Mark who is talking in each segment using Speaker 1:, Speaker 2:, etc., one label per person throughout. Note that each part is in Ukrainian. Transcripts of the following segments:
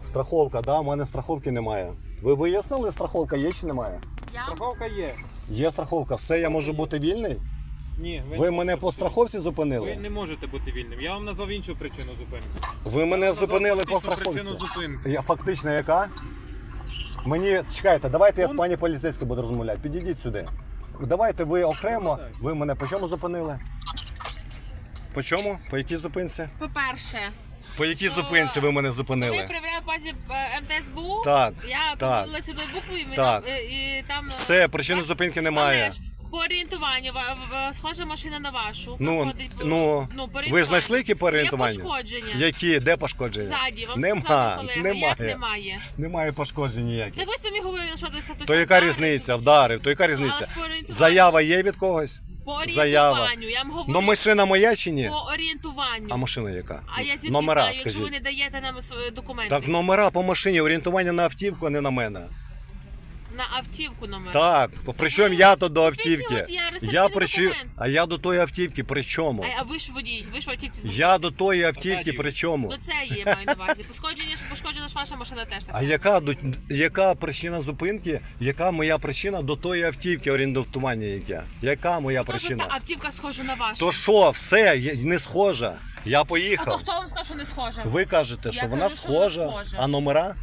Speaker 1: Страховка, да, у мене страховки немає. Ви вияснили, страховка є чи немає?
Speaker 2: Страховка є.
Speaker 1: Є страховка, все, я можу бути вільний?
Speaker 2: Ні,
Speaker 1: Ви мене по страховці
Speaker 2: Ви
Speaker 1: зупинили?
Speaker 2: не можете бути вільним. Я вам назвав іншу причину зупинки.
Speaker 1: Ви мене зупинили по
Speaker 2: фактичну
Speaker 1: страховці.
Speaker 2: причину зупинки.
Speaker 1: Я фактично яка? Мені, чекайте, давайте я з пані поліцейською буду розмовляти. Підійдіть сюди. Давайте ви окремо, ви мене по чому зупинили? По чому? По якій зупинці?
Speaker 3: По-перше,
Speaker 1: По якій
Speaker 3: Що?
Speaker 1: зупинці ви мене
Speaker 3: коли
Speaker 1: зупинили?
Speaker 3: я перевіряю в базі МТСБУ,
Speaker 1: Так,
Speaker 3: я
Speaker 1: так.
Speaker 3: подивилася до букву і,
Speaker 1: Так.
Speaker 3: і там...
Speaker 1: Все, причини зупинки немає.
Speaker 3: Але ж по орієнтуванню, схожа машина на вашу.
Speaker 1: Ну,
Speaker 3: проходить по-
Speaker 1: ну,
Speaker 3: по
Speaker 1: ви
Speaker 3: орієнтуванню.
Speaker 1: знайшли які по орієнтуванню?
Speaker 3: Є пошкодження.
Speaker 1: Які? Де пошкодження?
Speaker 3: Ззаді, вам
Speaker 1: Нема,
Speaker 3: сказали колега,
Speaker 1: немає.
Speaker 3: як немає.
Speaker 1: Немає пошкоджень ніяких.
Speaker 3: Так ви самі говорили, що десь хтось
Speaker 1: То яка різниця? Вдарив, то яка різниця?
Speaker 3: Але ж по орієнтуванню.
Speaker 1: Заява є від когось?
Speaker 3: По
Speaker 1: Заява.
Speaker 3: орієнтуванню, я вам говорю.
Speaker 1: Ну машина моя чи ні?
Speaker 3: По орієнтуванню.
Speaker 1: А машина яка?
Speaker 3: А я звідки
Speaker 1: Номера,
Speaker 3: знаю, якщо ви
Speaker 1: скажіть.
Speaker 3: не даєте нам свої документи?
Speaker 1: Так номера по машині, орієнтування на автівку, а не на мене.
Speaker 3: На автівку номер.
Speaker 1: Так, причому я то до
Speaker 3: Посвідчення
Speaker 1: автівки.
Speaker 3: водія, реєстраційний документ.
Speaker 1: А я до тої автівки при чому?
Speaker 3: А ви ж водій, ви ж в автівці
Speaker 1: Я до тої автівки при чому?
Speaker 3: До цієї маю на увазі. Пошкоджена ж ваша машина теж так.
Speaker 1: А яка причина зупинки, яка моя причина до тої автівки орієнтування яке? Яка моя
Speaker 3: Тож
Speaker 1: причина?
Speaker 3: та автівка схожа на вашу.
Speaker 1: То що, все, не схожа. Я
Speaker 3: А то
Speaker 1: поїхав.
Speaker 3: хто вам сказав, що не схожа?
Speaker 1: Ви кажете, що
Speaker 3: Я
Speaker 1: вона
Speaker 3: кажу, що вона
Speaker 1: схожа,
Speaker 3: схожа.
Speaker 1: а номера?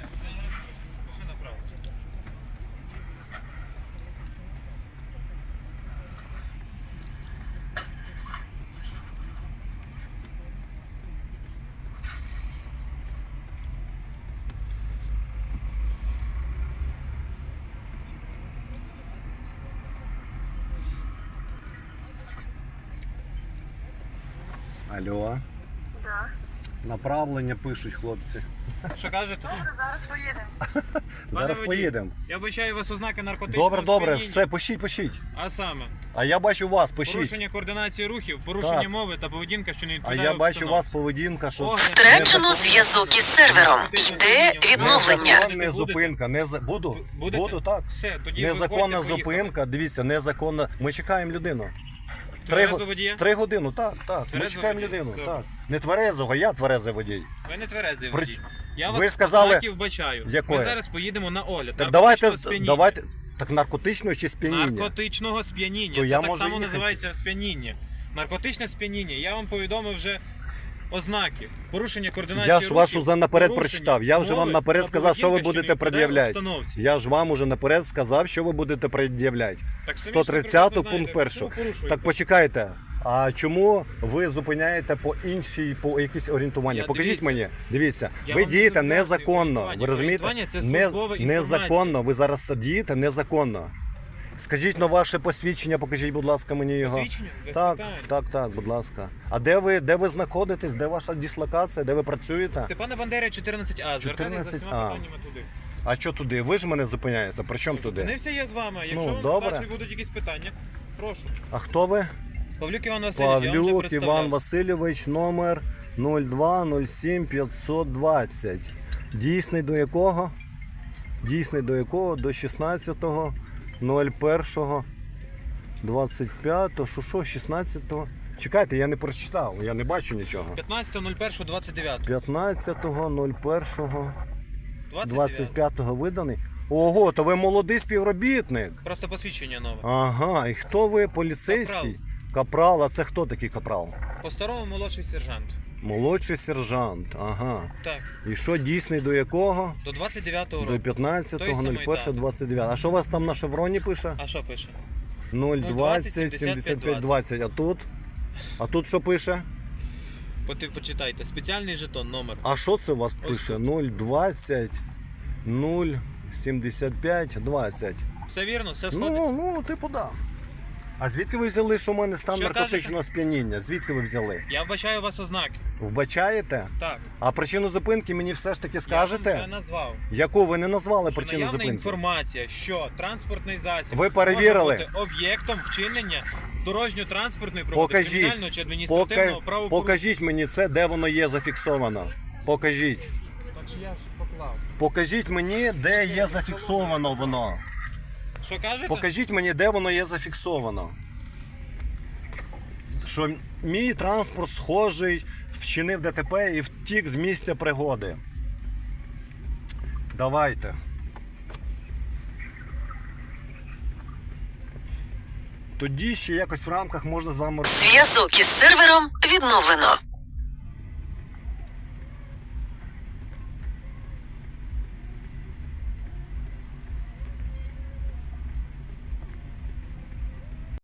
Speaker 1: Алло.
Speaker 4: Да.
Speaker 1: Направлення пишуть хлопці.
Speaker 2: Що кажете?
Speaker 4: Зараз поїдемо.
Speaker 1: Зараз
Speaker 2: водій,
Speaker 1: поїдемо.
Speaker 2: Я вбачаю у вас ознаки наркотичного
Speaker 1: Добре, добре,
Speaker 2: сп'яніння.
Speaker 1: все, пишіть.
Speaker 2: А саме,
Speaker 1: А я бачу вас, пишіть.
Speaker 2: порушення координації рухів, порушення
Speaker 1: Так.
Speaker 2: мови та поведінка, що не
Speaker 1: А
Speaker 2: відповідає
Speaker 1: я бачу
Speaker 2: обстановці.
Speaker 1: вас поведінка, що
Speaker 2: Огляд.
Speaker 5: Втрачено зв'язок із сервером. Йде відновлення.
Speaker 1: незаконна зупинка. Буду,
Speaker 2: Будете?
Speaker 1: буду, так.
Speaker 2: Все, тоді
Speaker 1: Незаконна
Speaker 2: виходьте, поїхали.
Speaker 1: зупинка, дивіться, незаконна. Ми чекаємо людину.
Speaker 2: Тверезого водія?
Speaker 1: 3 години, так. Ми
Speaker 2: Тверезого
Speaker 1: чекаємо
Speaker 2: водія?
Speaker 1: людину,
Speaker 2: Добре.
Speaker 1: так. Не тверезого, я тверезий водій.
Speaker 2: Ви не тверезий
Speaker 1: При-
Speaker 2: водій. Я
Speaker 1: Ви
Speaker 2: вас
Speaker 1: сказали-
Speaker 2: ознаків вбачаю.
Speaker 1: Якої?
Speaker 2: Ми зараз поїдемо на огляд.
Speaker 1: Так
Speaker 2: Наркотичного
Speaker 1: давайте, так наркотичного чи сп'яніння?
Speaker 2: Наркотичного сп'яніння.
Speaker 1: То
Speaker 2: Це
Speaker 1: я
Speaker 2: так
Speaker 1: можу
Speaker 2: само
Speaker 1: їхати.
Speaker 2: називається сп'яніння. Наркотичне сп'яніння. Я вам повідомив вже ознаки. Порушення координації
Speaker 1: Я ж вашу
Speaker 2: рухів,
Speaker 1: наперед
Speaker 2: порушення
Speaker 1: прочитав. Я вже вам
Speaker 2: мови
Speaker 1: наперед
Speaker 2: та
Speaker 1: сказав, що ви
Speaker 2: поведінки,
Speaker 1: будете
Speaker 2: не відповідає
Speaker 1: пред'являти.
Speaker 2: обстановці.
Speaker 1: Я ж вам уже наперед сказав, що ви будете пред'являти.
Speaker 2: Так самі ж
Speaker 1: 130
Speaker 2: прекрасно
Speaker 1: пункт
Speaker 2: знаєте,
Speaker 1: 1.
Speaker 2: чому порушуєте?
Speaker 1: Так почекайте. А чому ви зупиняєте по іншій, по якісь орієнтування?
Speaker 2: Я-
Speaker 1: Покажіть
Speaker 2: дивіться.
Speaker 1: мені. Дивіться,
Speaker 2: Я
Speaker 1: ви
Speaker 2: вам
Speaker 1: дієте
Speaker 2: не зобов'язаний
Speaker 1: незаконно.
Speaker 2: орієнтування.
Speaker 1: Ви розумієте?
Speaker 2: Орієнтування – це службова інформація.
Speaker 1: Незаконно. Ви зараз дієте незаконно. Скажіть на ваше посвідчення, покажіть, будь ласка, мені його.
Speaker 2: Посвідчення? Без
Speaker 1: Так,
Speaker 2: питань.
Speaker 1: так, будь ласка. А де ви знаходитесь? Де ваша дислокація? Де ви працюєте?
Speaker 2: Степана Бандери 14А. Звертайтеся за
Speaker 1: 14А.
Speaker 2: всіма питаннями туди.
Speaker 1: А що туди? Ви ж мене зупиняєте. При чому туди?
Speaker 2: Зупинився я з вами. Якщо
Speaker 1: Ну,
Speaker 2: вам
Speaker 1: добре.
Speaker 2: далі будуть якісь питання, прошу.
Speaker 1: А хто ви?
Speaker 2: Павлюк Іван Васильович, я вам вже
Speaker 1: Павлюк
Speaker 2: представлявся.
Speaker 1: Іван Васильович, номер 02 07 520. Дійсний до якого? Дійсний до якого? До 16 01 25. Що, 16? Чекайте, я не прочитав, я не бачу нічого.
Speaker 2: 15.01.29.
Speaker 1: 15.01
Speaker 2: 29.
Speaker 1: 25 виданий. Ого, то ви молодий співробітник.
Speaker 2: Просто посвідчення нове.
Speaker 1: Ага, і хто ви? Поліцейський? Капрал, а це хто такий капрал?
Speaker 2: По-старому молодший сержант.
Speaker 1: Молодший сержант, ага.
Speaker 2: Так,
Speaker 1: І що дійсний до якого?
Speaker 2: до 29-го
Speaker 1: До
Speaker 2: року. Той самий
Speaker 1: 15.01.29. А що у вас там на шевроні пише?
Speaker 2: А що пише?
Speaker 1: 020 75 20. А тут? А тут що пише?
Speaker 2: Почитайте. Спеціальний жетон, номер.
Speaker 1: А що це у вас
Speaker 2: Ось
Speaker 1: пише? 020 075 20.
Speaker 2: Все вірно? Все сходиться?
Speaker 1: Ну, типу, да. А звідки ви взяли, що в мене стан
Speaker 2: Що
Speaker 1: наркотичного сп'яніння? Звідки ви взяли?
Speaker 2: Я вбачаю у вас ознаки.
Speaker 1: Вбачаєте?
Speaker 2: Так.
Speaker 1: А причину зупинки мені все ж таки
Speaker 2: Я
Speaker 1: скажете?
Speaker 2: вам вже назвав.
Speaker 1: Яку ви не назвали
Speaker 2: Що
Speaker 1: причину
Speaker 2: наявна
Speaker 1: зупинки?
Speaker 2: інформація, що транспортний засіб
Speaker 1: Ви перевірили?
Speaker 2: може бути об'єктом вчинення дорожньо-транспортної
Speaker 1: Покажіть.
Speaker 2: кримінального чи адміністративного правопорушення.
Speaker 1: Покажіть мені це, де воно є зафіксовано. Покажіть.
Speaker 2: Так що я ж поклав.
Speaker 1: Покажіть мені, де є зафіксовано воно.
Speaker 2: Що кажете?
Speaker 1: Покажіть мені, де воно є зафіксовано. Що мій транспорт схожий, вчинив ДТП і втік з місця пригоди. Давайте. Тоді ще якось в рамках можна з вами...
Speaker 5: Зв'язок із сервером відновлено.